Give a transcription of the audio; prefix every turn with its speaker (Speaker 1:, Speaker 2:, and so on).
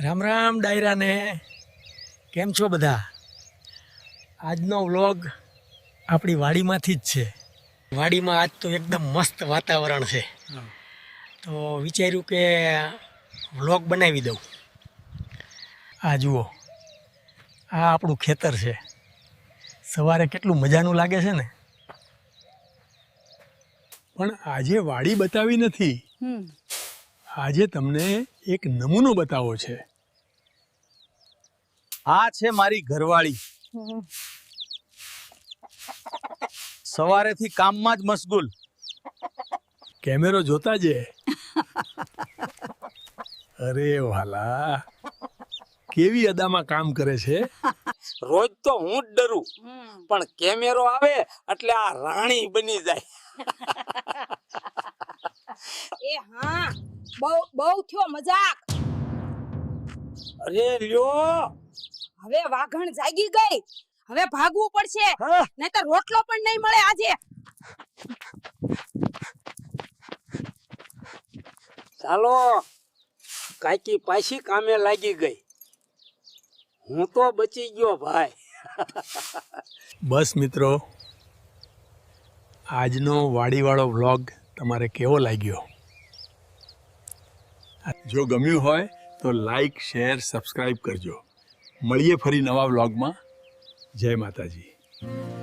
Speaker 1: રામ રામ ડાયરાને કેમ છો બધા? આજનો વ્લોગ આપણી વાડીમાંથી જ છે. વાડીમાં આજ તો એકદમ મસ્ત વાતાવરણ છે, તો વિચાર્યું કે વ્લોગ બનાવી દઉં. આ જુઓ, આ આપણું ખેતર છે. સવારે કેટલું મજાનું લાગે છે ને.
Speaker 2: પણ આજે વાડી બતાવી નથી, આજે તમને એક નમૂનો બતાવો છે.
Speaker 3: આ છે મારી ઘરવાળી. સવારેથી કામમાં જ મશગુલ.
Speaker 2: કેમેરો જોતા જે. અરે વાલા, કેવી અદામાં કામ કરે છે.
Speaker 3: રોજ તો હું જ ડરું, પણ કેમેરો આવે એટલે આ રાણી બની જાય.
Speaker 4: એ હા, બહુ થયો મજાક.
Speaker 3: અરે લ્યો,
Speaker 4: હવે વાઘણ જાગી ગઈ. હવે ભાગવું પડશે, નહીતર રોટલો પણ નહીં મળે આજે.
Speaker 3: ચાલો, કાકી પાછી કામે લાગી ગઈ. હું તો બચી ગયો ભાઈ.
Speaker 2: બસ મિત્રો, આજનો વાડીવાળો વ્લોગ તમારે કેવો લાગ્યો? જો ગમ્યું હોય તો લાઈક, શેર, સબસ્ક્રાઈબ કરજો. મળીએ ફરી નવા વ્લોગમાં. જય માતાજી.